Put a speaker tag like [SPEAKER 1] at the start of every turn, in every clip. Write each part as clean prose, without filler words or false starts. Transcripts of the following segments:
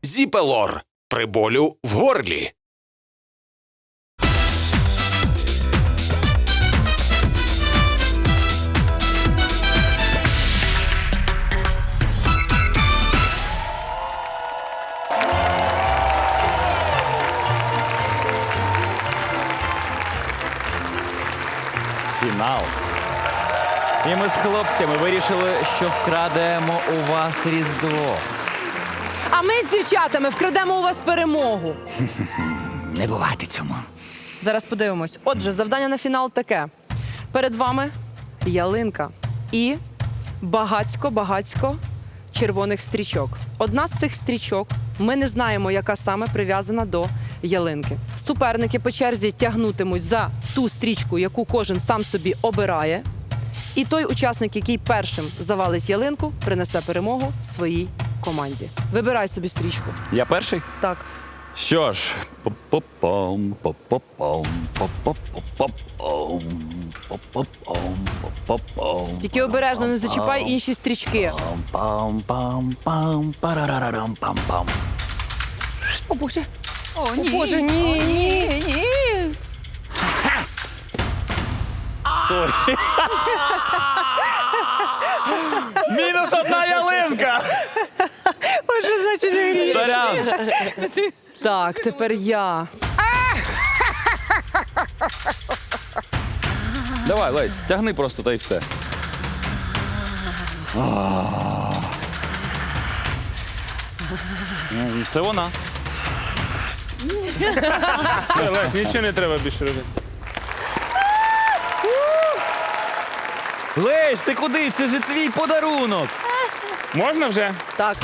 [SPEAKER 1] Зіпелор при болю в горлі.
[SPEAKER 2] Фінал. І ми з хлопцями вирішили, що вкрадемо у вас Різдво.
[SPEAKER 3] А ми з дівчатами вкрадемо у вас перемогу.
[SPEAKER 2] Не бувати цьому.
[SPEAKER 3] Зараз подивимось. Отже, завдання на фінал таке. Перед вами ялинка і багацько червоних стрічок. Одна з цих стрічок, ми не знаємо, яка саме прив'язана до ялинки. Суперники по черзі тягнутимуть за ту стрічку, яку кожен сам собі обирає. І той учасник, який першим завалить ялинку, принесе перемогу своїй команді. Вибирай собі стрічку.
[SPEAKER 2] Я перший?
[SPEAKER 3] Так.
[SPEAKER 2] Що ж, по-по-пом, по-по-пом, по-по-по-пом, по-по-пом, по-по-пом.
[SPEAKER 3] Тільки обережно не зачіпай інші стрічки.
[SPEAKER 2] Пам-пам-пам, парарарарам-пам-пам.
[SPEAKER 3] О, Боже.
[SPEAKER 4] О, ні.
[SPEAKER 3] Боже, ні, ні.
[SPEAKER 4] Ні.
[SPEAKER 2] Сорі. Мінус одна ялинка!
[SPEAKER 3] Боже, значить, не гріх.
[SPEAKER 2] Сорян.
[SPEAKER 3] Так, тепер я.
[SPEAKER 2] Давай, Лесь, тягни просто, та й все. Це вона.
[SPEAKER 5] Все, Лесь, нічого не треба більше робити.
[SPEAKER 2] Лесь, ти куди? Це ж твій подарунок.
[SPEAKER 5] Можна вже?
[SPEAKER 3] Так.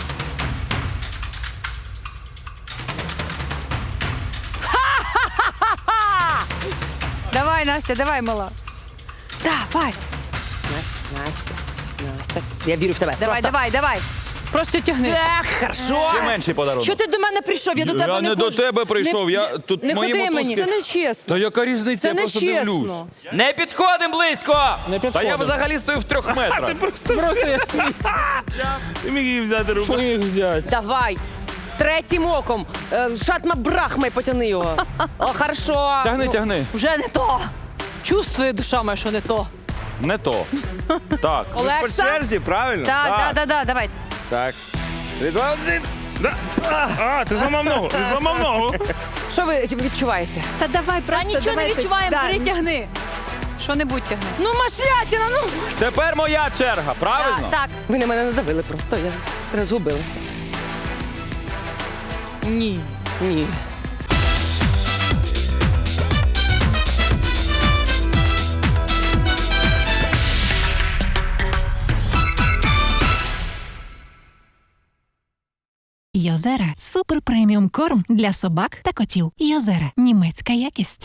[SPEAKER 4] Давай, Настя, давай, мала.
[SPEAKER 3] Давай. Настя. Я вірю в тебе.
[SPEAKER 4] Давай, давай, давай. Просто тягни.
[SPEAKER 3] Ех, хорошо.
[SPEAKER 2] Ще менший подарунок.
[SPEAKER 3] Що ти до мене прийшов? Я до тебе
[SPEAKER 2] Я
[SPEAKER 3] не
[SPEAKER 2] не до
[SPEAKER 3] ходжу.
[SPEAKER 2] тебе прийшов,
[SPEAKER 3] Не-
[SPEAKER 2] я тут
[SPEAKER 3] Не
[SPEAKER 2] мої
[SPEAKER 3] ходи
[SPEAKER 2] мотузки.
[SPEAKER 3] мені, це не чесно.
[SPEAKER 2] Та яка різниця,
[SPEAKER 3] Це
[SPEAKER 2] я
[SPEAKER 3] не
[SPEAKER 2] просто дивлюсь.
[SPEAKER 3] чесно.
[SPEAKER 2] Не підходимо близько! Та я взагалі стою в 3 метрах.
[SPEAKER 5] Просто я свій. Ти міг її взяти руку. Міг взяти.
[SPEAKER 3] Давай. Третім оком. Шатма брахми, потяни його. О, хорошо.
[SPEAKER 2] Тягни, тягни.
[SPEAKER 4] Вже не то. Чувствує душа моя, що не то.
[SPEAKER 2] Не то. Так.
[SPEAKER 3] Олекса.
[SPEAKER 5] правильно?
[SPEAKER 4] Так, давай.
[SPEAKER 5] Так. 3, 2, 1. А, ти зламав ногу. Ти зламав ногу.
[SPEAKER 3] Що ви відчуваєте? Та давай,
[SPEAKER 4] Та нічого не відчуваємо, перетягни. Що-небудь тягни.
[SPEAKER 3] Ну, машлятіна, ну.
[SPEAKER 2] Тепер моя черга, правильно?
[SPEAKER 4] Так.
[SPEAKER 3] Ви на мене надавили просто, я розгубилася.
[SPEAKER 4] Ні.
[SPEAKER 3] Ні.
[SPEAKER 6] Йозера – супер преміум корм для собак та котів. Йозера – німецька якість.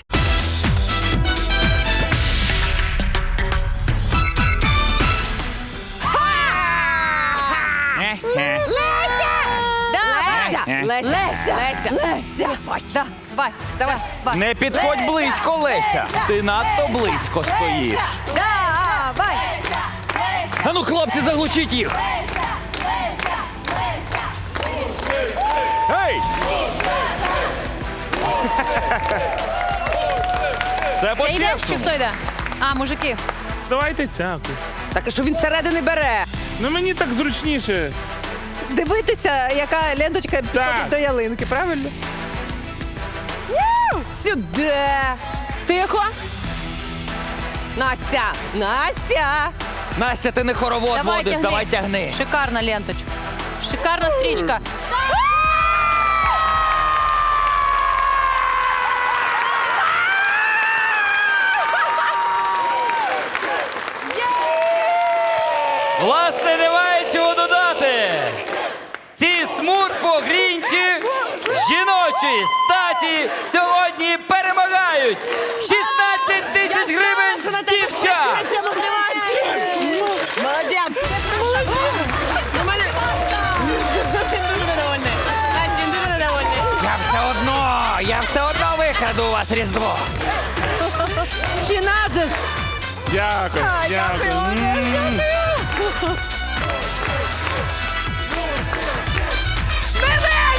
[SPEAKER 4] Давай.
[SPEAKER 3] Леся.
[SPEAKER 4] Давай. Давай.
[SPEAKER 2] Не підходь близько, Леся. Ти надто близько стоїш.
[SPEAKER 4] Давай.
[SPEAKER 2] А ну, хлопці, заглушіть їх.
[SPEAKER 5] Гей!
[SPEAKER 2] Все
[SPEAKER 4] Ти йдеш чи
[SPEAKER 2] по-чесному.
[SPEAKER 4] хто йде? А, мужики.
[SPEAKER 5] Давайте цяку.
[SPEAKER 3] Так, а що він середини бере?
[SPEAKER 5] Ну мені так зручніше.
[SPEAKER 7] Дивитися, яка ленточка підходить до ялинки, правильно?
[SPEAKER 3] Сюди. Тихо. Настя. Настя.
[SPEAKER 2] Настя, ти не хоровод водиш, давай тягни.
[SPEAKER 4] Шикарна ленточка. Шикарна стрічка.
[SPEAKER 2] Власне, немає чого додати. Ці смурфо-грінчі жіночі статі сьогодні перемагають. 16 тисяч гривень дівчат.
[SPEAKER 3] Молодець.
[SPEAKER 2] Я все одно викраду у вас Різдво.
[SPEAKER 3] Чиназис.
[SPEAKER 5] Дякую, дякую.
[SPEAKER 3] Бережно!